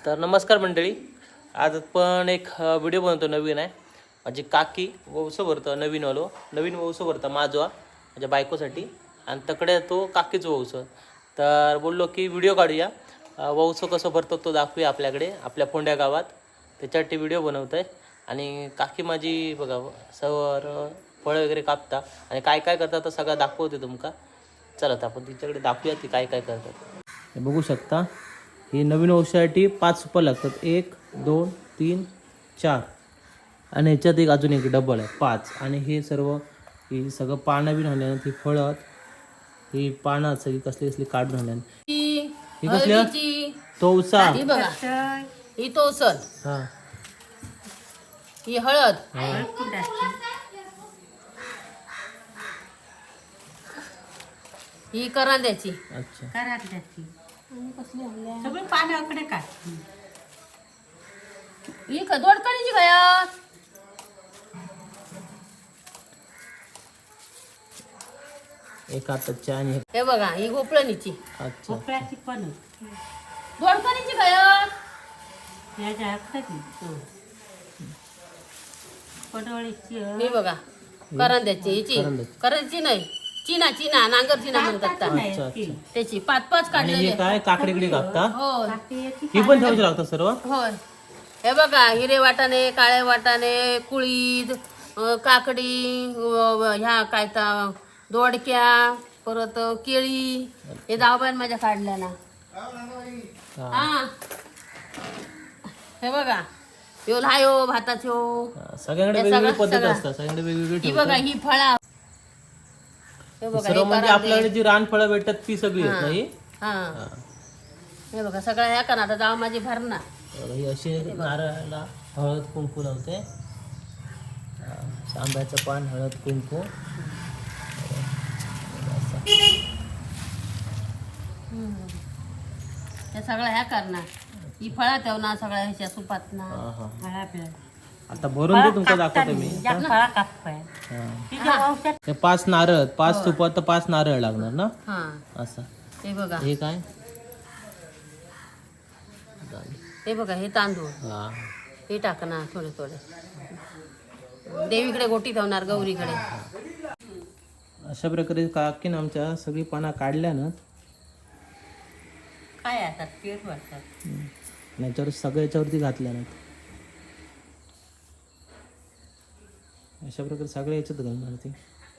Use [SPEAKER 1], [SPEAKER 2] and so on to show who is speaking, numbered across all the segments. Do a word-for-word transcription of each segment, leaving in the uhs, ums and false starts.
[SPEAKER 1] तर नमस्कार मंडळी, आज आपण एक व्हिडिओ बनवतो. नवीन आहे. माझी काकी वौसं भरतं, नवीन वालो नवीन वौसं भरतं माझवा माझ्या बायकोसाठी, आणि तकडे तो काकीच वौसं. तर बोललो की व्हिडिओ काढूया, वौसं कसं भरतो तो दाखवूया आपल्याकडे आपल्या फोंड्या गावात. त्याच्यासाठी व्हिडिओ बनवत आहे. आणि काकी माझी बघा सवर फळं वगैरे कापता आणि काय काय करतात तर सगळं दाखवते तुमका. चला तर आपण तिच्याकडे दाखवूया ती काय काय करतात. हे बघू शकता, ही नवीन औषधासाठी पाच सुपर लागतात. एक दोन तीन चार आणि ह्याच्यात एक अजून एक डबल आहे पाच. आणि हे सर्व ही सगळं पानं बी आणल्यानं ती फळं ही पानं सगळी कसली कसली काढून आणल्यानं ही कसली तोवसा
[SPEAKER 2] ही बघा, ही तोसल,
[SPEAKER 1] हा
[SPEAKER 2] ही हळद, ही करांद्याची.
[SPEAKER 1] अच्छा
[SPEAKER 3] करांद्याची सगळे पाण्याकडे काय
[SPEAKER 2] ही क- दोडकणीची गया.
[SPEAKER 1] एक आताची आणि
[SPEAKER 2] हे बघा, ही गोपळणीची.
[SPEAKER 1] अच्छा
[SPEAKER 3] भोपळ्याची पण
[SPEAKER 2] दोडकणीची गया.
[SPEAKER 3] याच्या हाताची पडवळीची
[SPEAKER 2] ही बघा, करांद्याची. हिची
[SPEAKER 1] करंद्याची.
[SPEAKER 2] करांद्याची नाही, चिना चिना नांगर चिना म्हणतात
[SPEAKER 1] अच्छा
[SPEAKER 2] त्या.
[SPEAKER 1] अच्छा.
[SPEAKER 2] त्याची पाच पाच
[SPEAKER 1] आणि हे
[SPEAKER 2] काढलेले.
[SPEAKER 1] काय काकडीकडे कापता,
[SPEAKER 2] होय
[SPEAKER 1] ही पण ठेवायची लागतात सर्व.
[SPEAKER 2] होय. हे बघा, हिरे वाटाणे, काळे वाटाणे, कुळीद, अं, काकडी, अं, ह्या काय तर दोडक्या, परत केळी, हे जाऊबाईन माझ्या काढल्या ना.
[SPEAKER 1] हा.
[SPEAKER 2] हा, हे बघा, यो लायो भाताच्यो.
[SPEAKER 1] हा, सगळ्यांकडे
[SPEAKER 2] हे
[SPEAKER 1] वेगवेगळी
[SPEAKER 2] सगळं-
[SPEAKER 1] पद्धत
[SPEAKER 2] सगळं.
[SPEAKER 1] असतात, सगळ्यांकडे वेगवेगळी
[SPEAKER 2] ही बघा,
[SPEAKER 1] ठेवतात.
[SPEAKER 2] ही फळा. हे बघा,
[SPEAKER 1] सर्व
[SPEAKER 2] हे
[SPEAKER 1] म्हणजे
[SPEAKER 2] करांदे.
[SPEAKER 1] आपल्याकडे जी रानफळं भेटतात ती सगळी आहेत नाही.
[SPEAKER 2] हा, हे बघा सगळं ह्या का ना. आता जाऊ माझी भरणा.
[SPEAKER 1] ही अशी नारळाला हळद कुंकू लावते. हा, आंब्याचं पान, हळद कुंकू.
[SPEAKER 2] हे सगळं ह्या करणार. ही फळा ठेवणार सगळ्या ह्याच्या सुपात ना.
[SPEAKER 1] हा हा.
[SPEAKER 3] फळा
[SPEAKER 1] आता भरून ते तुमचं दाखवतो मी.
[SPEAKER 3] फळा कापय
[SPEAKER 1] हा.
[SPEAKER 3] तिच्या औषध
[SPEAKER 1] हे पाच नारळ, पाच तुपात तर पाच नारळ लागणार ना.
[SPEAKER 2] हा,
[SPEAKER 1] असं
[SPEAKER 2] हे बघा,
[SPEAKER 1] हे काय.
[SPEAKER 2] हे बघा, हे तांदूळ
[SPEAKER 1] हा
[SPEAKER 2] हे टाकणार थोडे थोडे. देवीकडे गोटी ठेवणार, गौरीकडे.
[SPEAKER 1] अशा प्रकारे काकीनं आमच्या सगळी पानं काढल्या ना.
[SPEAKER 3] काय आता पेट वाटतात
[SPEAKER 1] याच्यावर सगळ्या याच्यावरती घातल्या नाहीत. अशा प्रकारे सगळ्या याच्यात घालणार ती.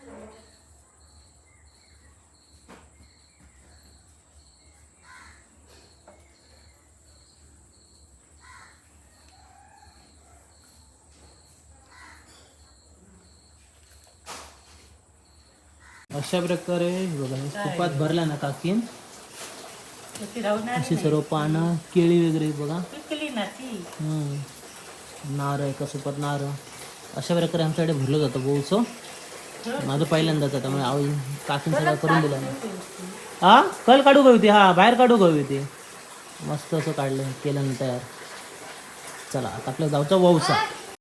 [SPEAKER 1] अशा प्रकारे बघा तुपात भरला ना काकीन.
[SPEAKER 3] ती राहणार
[SPEAKER 1] अशी सर्व पानं, केळी वगैरे बघा.
[SPEAKER 3] पिकली ना ती
[SPEAKER 1] हम्म. नारळ, एका सुपात नारळ. अशा प्रकारे आमच्याकडे भरलं जातं बोलचं. माझं पहिल्यांदाच, त्यामुळे आई काकीन सगळं करून दिलं ना. हा, कल काढू गवी ती. हा, बाहेर काढू गवी ती. मस्त असं काढलं केलं ना तयार. चला आता आपल्या गावचा वौसा.